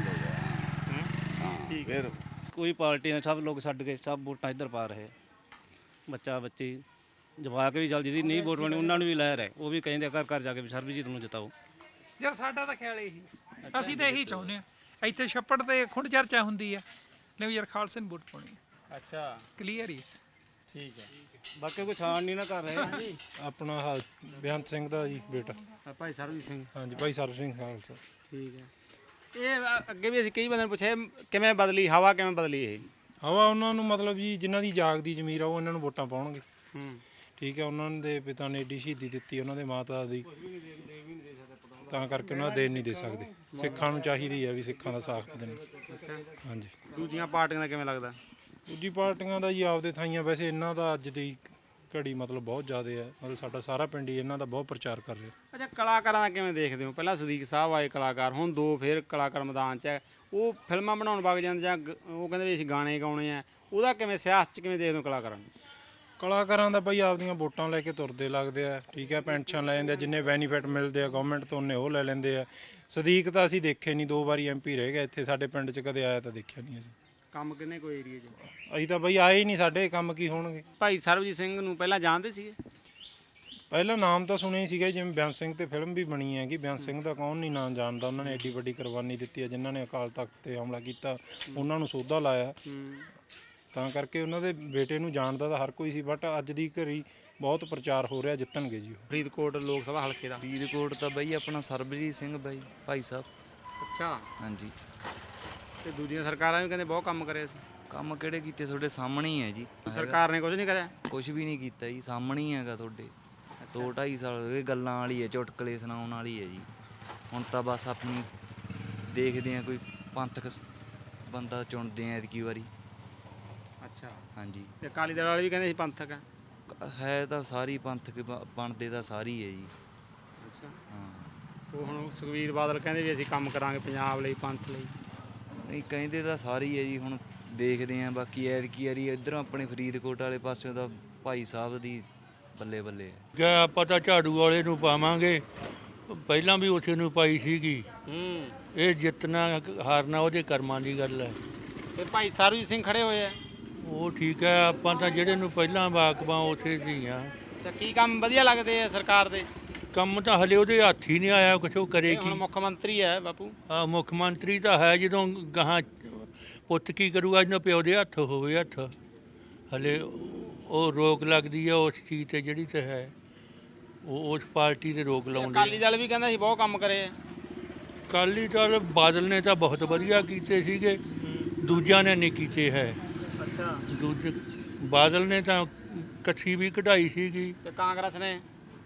ਹਾਂ ਠੀਕ ਫਿਰ ਕੋਈ ਪਾਰਟੀ ਨੇ ਸਭ ਲੋਕ ਛੱਡ ਕੇ ਸਭ ਵੋਟਾਂ ਇੱਧਰ ਪਾ ਰਹੇ। ਬੱਚਾ ਬੱਚੀ ਜਵਾਕ ਵੀ ਚੱਲ ਜਿਹਦੀ ਨਹੀਂ ਵੋਟ ਬਣੀ ਉਹਨਾਂ ਨੂੰ ਵੀ ਲੈ ਰਹੇ, ਉਹ ਵੀ ਕਹਿੰਦੇ ਘਰ ਘਰ ਜਾ ਕੇ ਵੀ ਸਰਬਜੀਤ ਨੂੰ ਜਿਤਾਓ। ਯਾਰ ਸਾਡਾ ਤਾਂ ਖਿਆਲ ਇਹੀ, ਅਸੀਂ ਤਾਂ ਇਹੀ ਚਾਹੁੰਦੇ ਆ। ਇੱਥੇ ਛੱਪੜ ਤੇ ਖੁੰਡ ਚਰਚਾ ਹੁੰਦੀ ਆ, ਲੈ ਵੀ ਯਾਰ ਖਾਲਸੇ ਨੂੰ ਵੋਟ ਪਾਉਣੀ ਆ। ਅੱਛਾ ਕਲੀਅਰ ਹੀ। ਠੀਕ ਹੈ। ਬਾਕੀ ਕੋਈ ਛਾਣ ਨਹੀਂ ਨਾ ਕਰ ਰਹੇ। ਆਪਣਾ ਆਹ ਬੇਅੰਤ ਸਿੰਘ ਦਾ ਜੀ ਬੇਟਾ ਭਾਈ ਸਰਬਜੀਤ ਸਿੰਘ। ਹਾਂਜੀ ਭਾਈ ਸਰਬ ਸਿੰਘ ਖਾਲਸਾ। ਠੀਕ ਹੈ। ਇਹ ਅੱਗੇ ਵੀ ਅਸੀਂ ਕਈ ਬੰਦਿਆਂ ਨੂੰ ਪੁੱਛਿਆ ਕਿਵੇਂ ਬਦਲੀ ਹਵਾ, ਕਿਵੇਂ ਬਦਲੀ ਇਹ ਹਵਾ? ਉਹਨਾਂ ਨੂੰ ਮਤਲਬ ਜੀ ਜਿਨ੍ਹਾਂ ਦੀ ਜਾਗਦੀ ਜ਼ਮੀਰ ਆ ਉਹ ਇਹਨਾਂ ਨੂੰ ਵੋਟਾਂ ਪਾਉਣਗੇ। ਹੂੰ ਠੀਕ ਹੈ। ਉਹਨਾਂ ਦੇ ਪਿਤਾ ਨੇ ਏਡੀ ਸ਼ਹੀਦੀ ਦਿੱਤੀ, ਉਹਨਾਂ ਦੇ ਮਾਤਾ ਦੀ, ਤਾਂ ਕਰਕੇ ਉਹਨਾਂ ਦਾ ਦੇਣ ਨਹੀਂ ਦੇ ਸਕਦੇ। ਸਿੱਖਾਂ ਨੂੰ ਚਾਹੀਦੀ ਹੈ ਵੀ ਸਿੱਖਾਂ ਦਾ ਸਾਥ ਦੇਣ। ਹਾਂਜੀ। ਦੂਜੀਆਂ ਪਾਰਟੀਆਂ ਦਾ ਕਿਵੇਂ ਲੱਗਦਾ? ਦੂਜੀ ਪਾਰਟੀਆਂ ਦਾ ਜੀ ਆਪਦੇ ਥਾਈਆਂ, ਵੈਸੇ ਇਹਨਾਂ ਦਾ ਅੱਜ ਦੀ ਘੜੀ ਮਤਲਬ ਬਹੁਤ ਜ਼ਿਆਦਾ ਹੈ, ਮਤਲਬ ਸਾਡਾ ਸਾਰਾ ਪਿੰਡ ਹੀ ਇਹਨਾਂ ਦਾ ਬਹੁਤ ਪ੍ਰਚਾਰ ਕਰ ਰਿਹਾ। ਅੱਛਾ, ਕਲਾਕਾਰਾਂ ਦਾ ਕਿਵੇਂ ਦੇਖਦੇ ਹੋ? ਪਹਿਲਾਂ ਸਦੀਕ ਸਾਹਿਬ ਆਏ ਕਲਾਕਾਰ, ਹੁਣ ਦੋ ਫਿਰ ਕਲਾਕਾਰ ਮੈਦਾਨ 'ਚ ਹੈ। ਉਹ ਫਿਲਮਾਂ ਬਣਾਉਣ ਵਗ ਜਾਂਦੇ ਜਾਂ ਉਹ ਕਹਿੰਦੇ ਵੀ ਅਸੀਂ ਗਾਣੇ ਗਾਉਣੇ ਆ, ਉਹਦਾ ਕਿਵੇਂ ਸਿਆਸਤ 'ਚ ਕਿਵੇਂ ਦੇਖਦੇ ਹੋ ਕਲਾਕਾਰਾਂ ਨੂੰ? ਕਲਾਕਾਰਾਂ ਦਾ ਬਈ ਆਪਦੀਆਂ ਵੋਟਾਂ ਲੈ ਕੇ ਤੁਰਦੇ ਲੱਗਦੇ ਆ। ਠੀਕ ਹੈ। ਪੈਨਸ਼ਨ ਲੈ ਜਾਂਦੇ ਆ, ਜਿੰਨੇ ਬੈਨੀਫਿਟ ਮਿਲਦੇ ਆ ਗਵਰਨਮੈਂਟ ਤੋਂ ਉਹਨੇ ਉਹ ਲੈ ਲੈਂਦੇ ਆ। ਸਦੀਕ ਤਾਂ ਅਸੀਂ ਦੇਖੇ ਨਹੀਂ, 2 ਵਾਰੀ MP ਰਹਿ ਗਿਆ ਇੱਥੇ ਸਾਡੇ ਪਿੰਡ 'ਚ, ਕਦੇ ਆਇਆ ਤਾਂ ਦੇਖਿਆ ਨਹੀਂ ਅਸੀਂ। ਕੰਮ ਕਿੰਨੇ ਕੋਈ ਏਰੀਏ 'ਚ? ਅਸੀਂ ਤਾਂ ਬਈ ਆਏ ਹੀ ਨਹੀਂ, ਸਾਡੇ ਕੰਮ ਕੀ ਹੋਣਗੇ। ਭਾਈ ਸਰਬਜੀਤ ਸਿੰਘ ਨੂੰ ਪਹਿਲਾਂ ਜਾਣਦੇ ਸੀਗੇ? ਪਹਿਲਾਂ ਨਾਮ ਤਾਂ ਸੁਣਿਆ ਹੀ ਸੀਗਾ, ਜਿਵੇਂ ਬੇਅੰਤ ਸਿੰਘ ਤੇ ਫਿਲਮ ਵੀ ਬਣੀ ਹੈਗੀ। ਬੇਅੰਤ ਸਿੰਘ ਦਾ ਕੌਣ ਨਹੀਂ ਨਾਮ ਜਾਣਦਾ। ਉਹਨਾਂ ਨੇ ਐਡੀ ਵੱਡੀ ਕੁਰਬਾਨੀ ਦਿੱਤੀ ਹੈ, ਜਿਨ੍ਹਾਂ ਨੇ ਅਕਾਲ ਤਖਤ ਤੇ ਹਮਲਾ ਕੀਤਾ ਉਹਨਾਂ ਨੂੰ ਸੋਧਾ ਲਾਇਆ, ਤਾਂ ਕਰਕੇ ਉਹਨਾਂ ਦੇ ਬੇਟੇ ਨੂੰ ਜਾਣਦਾ ਤਾਂ ਹਰ ਕੋਈ ਸੀ। ਬਟ ਅੱਜ ਦੀ ਘੜੀ ਬਹੁਤ ਪ੍ਰਚਾਰ ਹੋ ਰਿਹਾ, ਜਿੱਤਣਗੇ ਜੀ ਉਹ। ਫਰੀਦਕੋਟ ਲੋਕ ਸਭਾ ਹਲਕੇ ਦਾ ਫਰੀਦਕੋਟ ਤਾਂ ਬਈ ਆਪਣਾ ਸਰਬਜੀਤ ਸਿੰਘ ਬਾਈ ਭਾਈ ਸਾਹਿਬ। ਅੱਛਾ। ਹਾਂਜੀ। ਤੇ ਦੂਜੀਆਂ ਸਰਕਾਰਾਂ ਵੀ ਕਹਿੰਦੇ ਬਹੁਤ ਕੰਮ ਕਰਿਆ ਸੀ। ਕੰਮ ਕਿਹੜੇ ਕੀਤੇ? ਤੁਹਾਡੇ ਸਾਹਮਣੇ ਹੀ ਹੈ ਜੀ। ਸਰਕਾਰ ਨੇ ਕੁਝ ਨਹੀਂ ਕਰਿਆ? ਕੁਝ ਵੀ ਨਹੀਂ ਕੀਤਾ ਜੀ, ਸਾਹਮਣੇ ਹੀ ਹੈਗਾ ਤੁਹਾਡੇ। 2-2.5 ਸਾਲ ਹੋ ਗਏ, ਗੱਲਾਂ ਵਾਲੀ ਹੈ, ਚੁਟਕਲੇ ਸੁਣਾਉਣ ਵਾਲੀ ਹੈ ਜੀ। ਹੁਣ ਤਾਂ ਬਸ ਆਪਣੀ ਦੇਖਦੇ ਆ ਕੋਈ ਪੰਥਕ ਬੰਦਾ ਚੁਣਦੇ ਆ ਐਤਕੀ ਵਾਰੀ। ਅੱਛਾ। ਹਾਂਜੀ। ਤੇ ਅਕਾਲੀ ਦਲ ਵਾਲੇ ਵੀ ਕਹਿੰਦੇ ਸੀ ਪੰਥਕ ਹੈ ਤਾਂ ਸਾਰੀ ਪੰਥਕ ਬਣਦੇ ਤਾਂ ਸਾਰੀ ਹੈ ਜੀ। ਅੱਛਾ। ਹਾਂ। ਉਹ ਹੁਣ ਸੁਖਬੀਰ ਬਾਦਲ ਕਹਿੰਦੇ ਵੀ ਅਸੀਂ ਕੰਮ ਕਰਾਂਗੇ ਪੰਜਾਬ ਲਈ, ਪੰਥ ਲਈ। ਨਹੀਂ, ਕਹਿੰਦੇ ਤਾਂ ਸਾਰੀ ਹੈ ਜੀ। ਹੁਣ ਦੇਖਦੇ ਆ ਬਾਕੀ ਐਤਕੀ ਵਾਰੀ ਇੱਧਰੋਂ ਆਪਣੇ ਫਰੀਦਕੋਟ ਵਾਲੇ ਪਾਸਿਓਂ ਦਾ ਭਾਈ ਸਾਹਿਬ ਦੀ ਬੱਲੇ ਬੱਲੇ ਹੈ। ਆਪਾਂ ਤਾਂ ਝਾੜੂ ਵਾਲੇ ਨੂੰ ਪਾਵਾਂਗੇ, ਪਹਿਲਾਂ ਵੀ ਉਸੇ ਨੂੰ ਪਾਈ ਸੀਗੀ। ਇਹ ਜਿੱਤਣਾ ਹਾਰਨਾ ਉਹਦੇ ਕਰਮਾਂ ਦੀ ਗੱਲ ਹੈ। ਤੇ ਭਾਈ ਸਰਬਜੀਤ ਸਿੰਘ ਖੜੇ ਹੋਏ ਆ, ਉਹ ਠੀਕ ਹੈ। ਆਪਾਂ ਤਾਂ ਜਿਹੜੇ ਨੂੰ ਪਹਿਲਾਂ ਵਾਕਬਾਂ ਉਸੇ ਸੀ ਆ। ਅੱਛਾ, ਕੀ ਕੰਮ ਵਧੀਆ ਲੱਗਦੇ ਆ ਸਰਕਾਰ ਦੇ? ਕੰਮ ਤਾਂ ਹਲੇ ਉਹਦੇ ਹੱਥ ਹੀ ਨਹੀਂ ਆਇਆ, ਕੁਛ ਉਹ ਕਰੇ ਕੀ। ਹੁਣ ਮੁੱਖ ਮੰਤਰੀ ਹੈ ਬਾਪੂ। ਮੁੱਖ ਮੰਤਰੀ ਤਾਂ ਹੈ, ਜਦੋਂ ਗਾਹਾਂ ਪੁੱਤ ਕੀ ਕਰੂਗਾ ਜਦੋਂ ਪਿਓ ਦੇ ਹੱਥ ਹੋਵੇ ਹੱਥ। ਹਲੇ ਉਹ ਰੋਕ ਲੱਗਦੀ ਆ ਉਸ ਚੀਜ਼ ਤੇ ਜਿਹੜੀ ਤੇ ਹੈ, ਉਹ ਉਸ ਪਾਰਟੀ ਤੇ ਰੋਕ ਲਾਉਂਦੇ। ਅਕਾਲੀ ਦਲ ਵੀ ਕਹਿੰਦਾ ਸੀ ਬਹੁਤ ਕੰਮ ਕਰੇ ਆ। ਅਕਾਲੀ ਦਲ ਬਾਦਲ ਨੇ ਤਾਂ ਬਹੁਤ ਵਧੀਆ ਕੀਤੇ ਸੀਗੇ, ਦੂਜਿਆਂ ਨੇ ਨਹੀਂ ਕੀਤੇ ਹੈ। ਅੱਛਾ। ਦੂਜੇ ਬਾਦਲ ਨੇ ਤਾਂ ਕੱਛੀ ਵੀ ਕਢਾਈ ਸੀਗੀ। ਤੇ ਕਾਂਗਰਸ ਨੇ?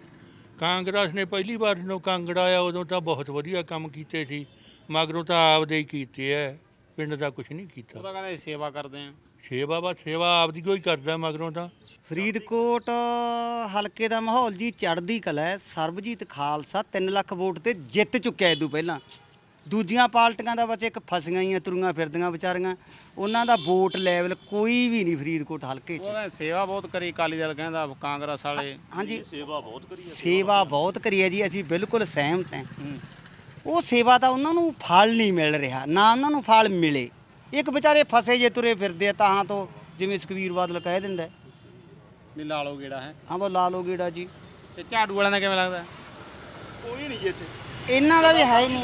ਕਾਂਗਰਸ ਨੇ ਪਹਿਲੀ ਵਾਰ ਜਦੋਂ ਕਾਂਗੜਾ ਆਇਆ ਉਦੋਂ ਤਾਂ ਬਹੁਤ ਵਧੀਆ ਕੰਮ ਕੀਤੇ ਸੀ, ਮਗਰੋਂ ਤਾਂ ਆਪਦੇ ਹੀ ਕੀਤੇ ਐ, ਪਿੰਡ ਦਾ ਕੁਝ ਨਹੀਂ ਕੀਤਾ। ਉਹ ਤਾਂ ਕਹਿੰਦੇ ਸੇਵਾ ਕਰਦੇ ਆ। ਸੇਵਾ ਬਸ ਸੇਵਾ ਆਪਦੀ ਕੋਈ ਕਰਦਾ, ਮਗਰੋਂ ਤਾਂ। ਫਰੀਦਕੋਟ ਹਲਕੇ ਦਾ ਮਾਹੌਲ ਜੀ ਚੜ੍ਹਦੀ ਕਲਾ ਹੈ। ਸਰਬਜੀਤ ਖਾਲਸਾ 3 ਲੱਖ ਵੋਟ ਤੇ ਜਿੱਤ ਚੁੱਕਿਆ ਇਦੋਂ ਪਹਿਲਾਂ। ਦੂਜੀਆਂ ਪਾਰਟੀਆਂ ਦਾ ਬਸ ਇੱਕ ਫਸੀਆਂ ਹੀ ਤੁਰੀਆਂ ਫਿਰਦੀਆਂ ਵਿਚਾਰੀਆਂ, ਉਹਨਾਂ ਦਾ ਵੋਟ ਲੈਵਲ ਕੋਈ ਵੀ ਨਹੀਂ ਫਰੀਦਕੋਟ ਹਲਕੇ 'ਚ। ਉਹਨੇ ਸੇਵਾ ਬਹੁਤ ਕਰੀ, ਅਕਾਲੀ ਦਲ ਕਹਿੰਦਾ, ਕਾਂਗਰਸ ਵਾਲੇ। ਹਾਂਜੀ, ਸੇਵਾ ਬਹੁਤ ਕਰੀ ਹੈ ਜੀ, ਅਸੀਂ ਬਿਲਕੁਲ ਸਹਿਮਤ ਹਾਂ। ਉਹ ਸੇਵਾ ਤਾਂ ਉਹਨਾਂ ਨੂੰ ਫਲ ਨਹੀਂ ਮਿਲ ਰਿਹਾ, ਨਾ ਉਹਨਾਂ ਨੂੰ ਫਲ ਮਿਲੇ। ਇੱਕ ਵਿਚਾਰੇ ਫਸੇ ਜੇ ਤੁਰੇ ਫਿਰਦੇ ਆ ਤਾਂ ਤੋਂ, ਜਿਵੇਂ ਸੁਖਬੀਰ ਬਾਦਲ ਕਹਿ ਦਿੰਦਾ ਵੀ ਲਾ ਲਓ ਗੇੜਾ ਹੈ। ਹਾਂ, ਬਸ ਲਾ ਲਓ ਗੇੜਾ ਜੀ। ਤੇ ਝਾੜੂ ਵਾਲਿਆਂ ਦਾ ਕਿਵੇਂ ਲੱਗਦਾ? ਕੋਈ ਨਹੀਂ ਜੀ ਇੱਥੇ, ਇਹਨਾਂ ਦਾ ਵੀ ਹੈ ਹੀ ਨਹੀਂ।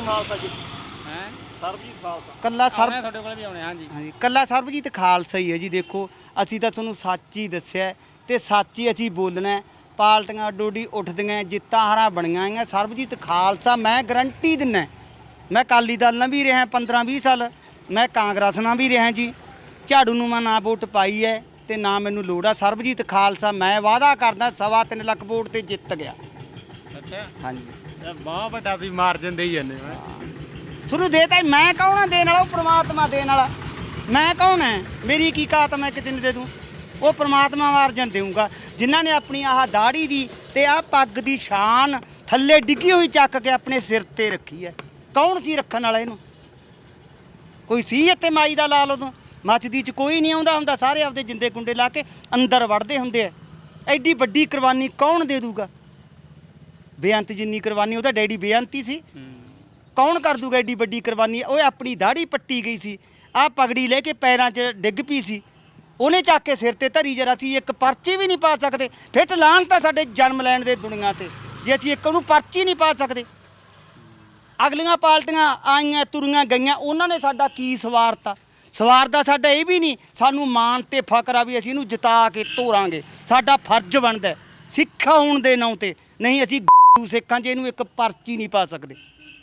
ਹੈ ਸਰਬਜੀਤ ਖਾਲਸਾ ਕੱਲਾ ਤੁਹਾਡੇ ਕੋਲ ਵੀ ਆਉਣੇ। ਹਾਂਜੀ ਹਾਂਜੀ, ਕੱਲਾ ਸਰਬਜੀਤ ਖਾਲਸਾ ਹੀ ਹੈ ਜੀ। ਦੇਖੋ, ਅਸੀਂ ਤਾਂ ਤੁਹਾਨੂੰ ਸੱਚ ਹੀ ਦੱਸਿਆ ਤੇ ਸੱਚ ਹੀ ਅਸੀਂ ਬੋਲਣਾ। ਪਾਰਟੀਆਂ ਡੋਡੀ ਉੱਠਦੀਆਂ, ਜਿੱਤਾਂ ਹਾਰਾਂ ਬਣੀਆਂ ਆਈਆਂ, ਸਰਬਜੀਤ ਖਾਲਸਾ ਮੈਂ ਗਰੰਟੀ ਦਿੰਦਾ। ਮੈਂ ਅਕਾਲੀ ਦਲ ਨਾਲ ਵੀ ਰਿਹਾ 15-20 ਸਾਲ, ਮੈਂ ਕਾਂਗਰਸ ਨਾਲ ਵੀ ਰਿਹਾ ਜੀ। ਝਾੜੂ ਨੂੰ ਮੈਂ ਨਾ ਵੋਟ ਪਾਈ ਹੈ ਤੇ ਨਾ ਮੈਨੂੰ ਲੋੜ ਆ। ਸਰਬਜੀਤ ਖਾਲਸਾ ਮੈਂ ਵਾਅਦਾ ਕਰਦਾ 3.25 ਲੱਖ ਵੋਟ ਤੇ ਜਿੱਤ ਗਿਆ। ਅੱਛਾ। ਹਾਂਜੀ, ਬਹੁਤ ਵੱਡਾ ਵੀ ਮਾਰਜਨ ਦੇ ਹੀ ਜਾਂਦੇ। ਸ਼ੁਰੂ ਦੇਤਾ ਮੈਂ ਕੌਣ ਆ ਦੇਣ ਵਾਲਾ? ਉਹ ਪ੍ਰਮਾਤਮਾ ਦੇਣ ਵਾਲਾ। ਮੈਂ ਕੌਣ ਹੈ? ਮੇਰੀ ਕੀ ਕਾਤ ਮੈਂ ਕਿਸੇ ਨੂੰ ਦੇ ਦੂੰ? ਉਹ ਪ੍ਰਮਾਤਮਾ ਮਾਰਜਨ ਦੇਊਗਾ। ਜਿਨ੍ਹਾਂ ਨੇ ਆਪਣੀ ਆਹ ਦਾੜੀ ਦੀ ਤੇ ਆਹ ਪੱਗ ਦੀ ਸ਼ਾਨ ਥੱਲੇ ਡਿੱਗੀ ਹੋਈ ਚੱਕ ਕੇ ਆਪਣੇ ਸਿਰ ਤੇ ਰੱਖੀ ਹੈ, ਕੌਣ ਸੀ ਰੱਖਣ ਵਾਲਾ ਇਹਨੂੰ? ਕੋਈ ਸੀ ਇੱਥੇ ਮਾਈ ਦਾ ਲਾਲ ਉਦੋਂ? ਮੱਚਦੀ 'ਚ ਕੋਈ ਨਹੀਂ ਆਉਂਦਾ ਹੁੰਦਾ, ਸਾਰੇ ਆਪਦੇ ਜਿੰਦੇ ਗੁੰਡੇ ਲਾ ਕੇ ਅੰਦਰ ਵੜਦੇ ਹੁੰਦੇ ਆ। ਐਡੀ ਵੱਡੀ ਕੁਰਬਾਨੀ ਕੌਣ ਦੇ ਦੂਗਾ? ਬੇਅੰਤ ਜਿੰਨੀ ਕੁਰਬਾਨੀ ਉਹਦਾ ਡੈਡੀ ਬੇਅੰਤੀ ਸੀ। ਕੌਣ ਕਰ ਦੂਗਾ ਐਡੀ ਵੱਡੀ ਕੁਰਬਾਨੀ? ਉਹ ਆਪਣੀ ਦਾੜੀ ਪੱਟੀ ਗਈ ਸੀ, ਆਹ ਪਗੜੀ ਲੈ ਕੇ ਪੈਰਾਂ 'ਚ ਡਿੱਗ ਪਈ ਸੀ, ਉਹਨੇ ਚੱਕ ਕੇ ਸਿਰ ਤੇ ਧਰੀ। ਜਰਾ ਅਸੀਂ ਇੱਕ ਪਰਚੀ ਵੀ ਨਹੀਂ ਪਾ ਸਕਦੇ। ਫਿੱਟ ਲਾਹਣ ਤਾਂ ਸਾਡੇ ਜਨਮ ਲੈਣ ਦੇ ਦੁਨੀਆ ਤੇ, ਜੇ ਅਸੀਂ ਇੱਕ ਉਹਨੂੰ ਪਰਚੀ ਨਹੀਂ ਪਾ ਸਕਦੇ। ਅਗਲੀਆਂ ਪਾਰਟੀਆਂ ਆਈਆਂ ਤੁਰੀਆਂ ਗਈਆਂ, ਉਹਨਾਂ ਨੇ ਸਾਡਾ ਕੀ ਸਵਾਰਤਾ? ਸਵਾਰਦਾ ਸਾਡਾ ਇਹ ਵੀ ਨਹੀਂ। ਸਾਨੂੰ ਮਾਣ ਤੇ ਫਕਰ ਆ ਵੀ ਅਸੀਂ ਇਹਨੂੰ ਜਿਤਾ ਕੇ ਤੋਰਾਂਗੇ, ਸਾਡਾ ਫਰਜ਼ ਬਣਦਾ ਸਿੱਖ ਹੋਣ ਦੇ ਨਾਂ ਤੇ। ਨਹੀਂ ਅਸੀਂ ਸਿੱਖਾਂ 'ਚ ਇਹਨੂੰ ਇੱਕ ਪਰਚੀ ਨਹੀਂ ਪਾ ਸਕਦੇ।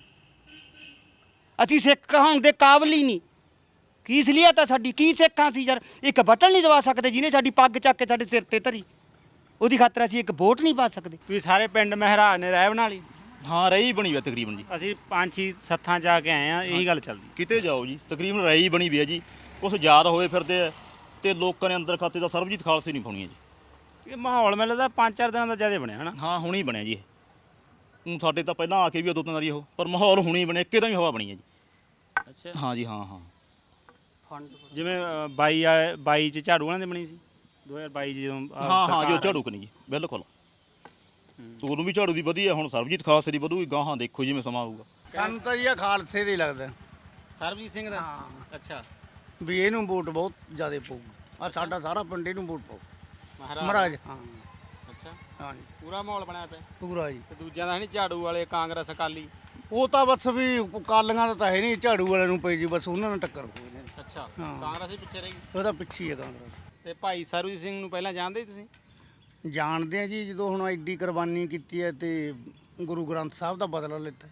ਅਸੀਂ ਸਿੱਖ ਹੋਣ ਦੇ ਕਾਬਲ ਹੀ ਨਹੀਂ। ਕੀ ਇਸਲੀਅਤ ਆ ਸਾਡੀ? ਕੀ ਸਿੱਖਾਂ ਸੀ ਯਾਰ? ਇੱਕ ਬਟਨ ਨਹੀਂ ਦਵਾ ਸਕਦੇ ਜਿਹਨੇ ਸਾਡੀ ਪੱਗ ਚੱਕ ਕੇ ਸਾਡੇ ਸਿਰ ਤੇ ਧਰੀ, ਉਹਦੀ ਖਾਤਰ ਅਸੀਂ ਇੱਕ ਵੋਟ ਨਹੀਂ ਪਾ ਸਕਦੇ। ਤੁਸੀਂ ਸਾਰੇ ਪਿੰਡ ਮਹਿਰਾਜ ਨੇ ਰਹਿ ਬਣਾ ਲਈ? ਹਾਂ ਰਹੀ ਬਣੀ ਹੋਈ ਤਕਰੀਬਨ ਜੀ। ਅਸੀਂ 5-6 ਸੱਥਾਂ ਜਾ ਕੇ ਆਏ ਆ, ਇਹੀ ਗੱਲ ਚੱਲਦੀ। ਕਿਤੇ ਜਾਓ ਜੀ ਤਕਰੀਬਨ ਰਹੀ ਬਣੀ ਵੀ ਹੈ ਜੀ। ਕੁਛ ਯਾਦ ਹੋਏ ਫਿਰਦੇ ਆ ਤੇ ਲੋਕਾਂ ਨੇ ਅੰਦਰ ਖਾਤੇ ਦਾ ਸਰਬਜੀਤ ਖਾਲਸੇ ਨਹੀਂ ਪਾਉਣੀ ਜੀ। ਇਹ ਮਾਹੌਲ ਮੈਨੂੰ ਲੱਗਦਾ 5-4 ਦਿਨਾਂ ਦਾ ਜ਼ਿਆਦਾ ਬਣਿਆ ਹਨਾ? ਹਾਂ ਹੁਣੇ ਹੀ ਬਣਿਆ ਜੀ ਇਹ। ਸਾਡੇ ਤਾਂ ਪਹਿਲਾਂ ਆ ਕੇ ਵੀ ਦੋ ਤਿੰਨ ਵਾਰੀ ਉਹ, ਪਰ ਮਾਹੌਲ ਹੁਣੇ ਹੀ ਬਣਿਆ, ਇੱਕੇ ਦਾ ਹੀ ਹਵਾ ਬਣੀ ਹੈ ਜੀ। ਅੱਛਾ ਹਾਂ ਜੀ ਹਾਂ। ਜਿਵੇਂ 22 ਚ ਝਾੜੂ ਵਾਲਿਆਂ ਦੇ ਬਣੀ ਸੀ 2022 ਜਦੋਂ ਹਾਂ ਜੋ ਝਾੜੂ ਕਨੀ ਜੀ ਬਿਲਕੁਲ। ਉਹਨੂੰ ਵੀ ਝਾੜੂ ਦੀ ਵਧੀਆ, ਹੁਣ ਸਰਬਜੀਤ ਖਾਲਸੇ ਦੀ ਵਧੂਗੀ ਗਾਹਾਂ, ਦੇਖੋ ਜਿਵੇਂ ਸਮਾਂ ਆਊਗਾ। ਸਾਨੂੰ ਤਾਂ ਜੀ ਖਾਲਸੇ ਦੇ ਲੱਗਦਾ ਸਰਬਜੀਤ ਸਿੰਘ ਦਾ। ਅੱਛਾ ਵੀ ਇਹਨੂੰ ਵੋਟ ਬਹੁਤ ਜ਼ਿਆਦਾ ਪਊਗੀ। ਆ ਸਾਡਾ ਸਾਰਾ ਪਿੰਡ ਇਹਨੂੰ ਵੋਟ ਪਾਊ ਮਹਾਰਾਜ। ਹਾਂ ਅੱਛਾ ਹਾਂ ਜੀ ਪੂਰਾ ਮਾਹੌਲ ਬਣਿਆ ਪਿਆ ਪੂਰਾ ਜੀ। ਤੇ ਦੂਜਿਆਂ ਦਾ ਨਹੀਂ, ਝਾੜੂ ਵਾਲੇ, ਕਾਂਗਰਸ, ਅਕਾਲੀ? ਉਹ ਤਾਂ ਬਸ ਵੀ ਕਾਲੀਆਂ ਦਾ ਤਾਂ ਹੈ ਨਹੀਂ, ਝਾੜੂ ਵਾਲਿਆਂ ਨੂੰ ਪਈ ਜੀ, ਬਸ ਉਹਨਾਂ ਨਾਲ ਟੱਕਰ ਹੋਈ ਨੇ। ਅੱਛਾ ਹਾਂ। ਕਾਂਗਰਸ ਹੀ ਪਿੱਛੇ ਰਹੀ? ਉਹਦਾ ਪਿੱਛੇ ਹੀ ਹੈ ਕਾਂਗਰਸ। ਤੇ ਭਾਈ ਸਰਬਜੀਤ ਸਿੰਘ ਨੂੰ ਪਹਿਲਾਂ ਜਾਣਦੇ ਤੁਸੀਂ? ਜਾਣਦੇ ਆ ਜੀ, ਜਦੋਂ ਹੁਣ ਐਡੀ ਕੁਰਬਾਨੀ ਕੀਤੀ ਹੈ ਤੇ ਗੁਰੂ ਗ੍ਰੰਥ ਸਾਹਿਬ ਦਾ ਬਦਲਾ ਲਿੱਤਾ।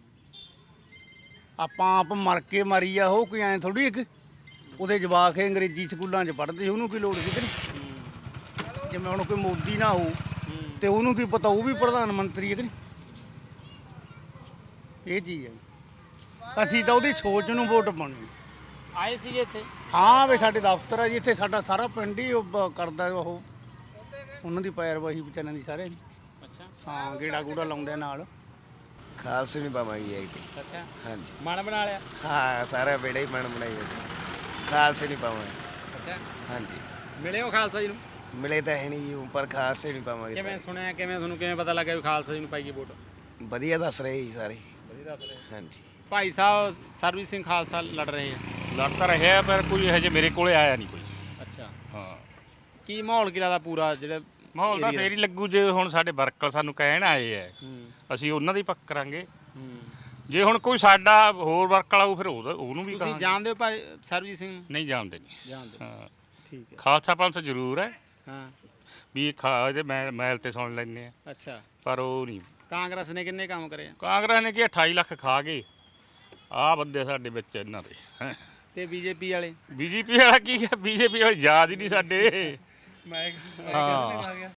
ਆਪਾਂ ਆਪ ਮਰ ਕੇ ਮਾਰੀ ਆ, ਉਹ ਕੋਈ ਐਂ ਥੋੜੀ ਇੱਕ ਉਹਦੇ ਜਵਾਕ ਅੰਗਰੇਜ਼ੀ ਸਕੂਲਾਂ 'ਚ ਪੜ੍ਹਦੇ ਸੀ, ਉਹਨੂੰ ਕੀ ਲੋੜ ਸੀ ਕਿ ਨਹੀਂ? ਜਿਵੇਂ ਹੁਣ ਕੋਈ ਮੋਦੀ ਨਾ ਹੋ ਤੇ ਉਹਨੂੰ ਕੀ ਪਤਾ ਉਹ ਵੀ ਪ੍ਰਧਾਨ ਮੰਤਰੀ ਹੈ ਕਿ ਨਹੀਂ? ਇਹ ਚੀਜ਼ ਹੈ। ਅਸੀਂ ਤਾਂ ਉਹਦੀ ਸੋਚ ਨੂੰ ਵੋਟ ਪਾਉਣੀ। ਆਏ ਸੀਗੇ ਇੱਥੇ? ਹਾਂ ਵੀ ਸਾਡੇ ਦਫ਼ਤਰ ਆ ਜੀ ਇੱਥੇ, ਸਾਡਾ ਸਾਰਾ ਪਿੰਡ ਹੀ ਕਰਦਾ ਉਹ, ਉਹਨਾਂ ਦੀ ਪੈਰਵਾਹੀ ਵਿਚਾਰਿਆਂ ਦੀ ਸਾਰਿਆਂ ਦੀ। ਅੱਛਾ ਹਾਂ ਗੇੜਾ ਗੂੜਾ ਲਾਉਂਦੇ ਨਾਲ। ਖਾਲਸੇ ਨਹੀਂ ਪਾਵਾਂਗੇ ਐਤੀ। ਅੱਛਾ ਹਾਂਜੀ ਮਨ ਬਣਾ ਲਿਆ? ਹਾਂ ਸਾਰਾ ਬੇੜਾ ਹੀ ਮਨ ਬਣਾਈ ਬੈਠਾ, ਖਾਲਸੇ ਨਹੀਂ ਪਾਵਾਂਗੇ। ਅੱਛਾ ਹਾਂਜੀ ਮਿਲੇ ਹੋ ਖਾਲਸਾ ਜੀ ਨੂੰ? ਮਿਲੇ ਤਾਂ ਹੈ ਨਹੀਂ ਜੀ, ਪਰ ਖਾਲਸੇ ਨਹੀਂ ਪਾਵਾਂਗੇ। ਕਿਵੇਂ ਸੁਣਿਆ, ਕਿਵੇਂ ਤੁਹਾਨੂੰ ਕਿਵੇਂ ਪਤਾ ਲੱਗਿਆ ਵੀ ਖਾਲਸਾ ਜੀ ਨੂੰ ਪਾਈਏ ਵੋਟ? ਵਧੀਆ ਦੱਸ ਰਹੇ ਜੀ ਸਾਰੇ। ਵਧੀਆ ਦੱਸ ਰਹੇ। ਹਾਂਜੀ ਭਾਈ ਸਾਹਿਬ ਸਰਬਜੀਤ ਸਿੰਘ ਖਾਲਸਾ ਲੜ ਰਹੇ ਆ? ਲੜ ਤਾਂ ਰਿਹਾ ਪਰ ਕੋਈ ਹਜੇ ਮੇਰੇ ਕੋਲੇ ਆਇਆ ਨਹੀਂ ਕੋਈ। ਅੱਛਾ ਹਾਂ ਕੀ ਮਾਹੌਲ ਕੀ ਲੱਗਦਾ ਪੂਰਾ ਜਿਹੜਾ ਮਾਹੌਲ ਤਾਂ ਫੇਰ ਹੀ ਲੱਗੂ ਜੇ ਹੁਣ ਸਾਡੇ ਵਰਕਰ ਸਾਨੂੰ ਕਹਿਣ ਆਏ ਐ, ਅਸੀਂ ਉਹਨਾਂ ਦੀ ਪੱਕ ਕਰਾਂਗੇ। ਜੇ ਹੁਣ ਕੋਈ ਸਾਡਾ ਹੋਰ ਵਰਕ ਵਾਲਾ ਫਿਰ ਉਹਨੂੰ ਵੀ ਤੁਸੀਂ ਜਾਣਦੇ ਹੋ ਭਾਈ ਸਰਬਜੀਤ ਸਿੰਘ ਨੂੰ? ਨਹੀਂ ਜਾਣਦੇ ਨਹੀਂ। ਜਾਣਦੇ ਹਾਂ ਠੀਕ ਹੈ। ਖਾਲਸਾ ਪੰਥ ਜ਼ਰੂਰ ਹੈ ਹਾਂ ਵੀ ਇਹਦੇ ਮੈਲ ਤੇ ਸੁਣ ਲੈਂਦੇ ਆ, ਅੱਛਾ ਪਰ ਉਹ ਨਹੀਂ। ਕਾਂਗਰਸ ਨੇ ਕਿੰਨੇ ਕੰਮ ਕਰੇ ਆ? ਕਾਂਗਰਸ ਨੇ ਕੀ 28 ਲੱਖ ਖਾ ਗਏ ਆਹ ਬੰਦੇ ਸਾਡੇ ਵਿੱਚ ਇਹਨਾਂ ਦੇ ਹੈਂ। ਤੇ ਬੀਜੇਪੀ ਵਾਲੇ? ਬੀਜੇਪੀ ਵਾਲਾ ਕੀ ਹੈ? ਬੀਜੇਪੀ ਵਾਲੇ ਯਾਦ ਹੀ ਨਹੀਂ ਸਾਡੇ। ਮੈਂ ਹਾਂ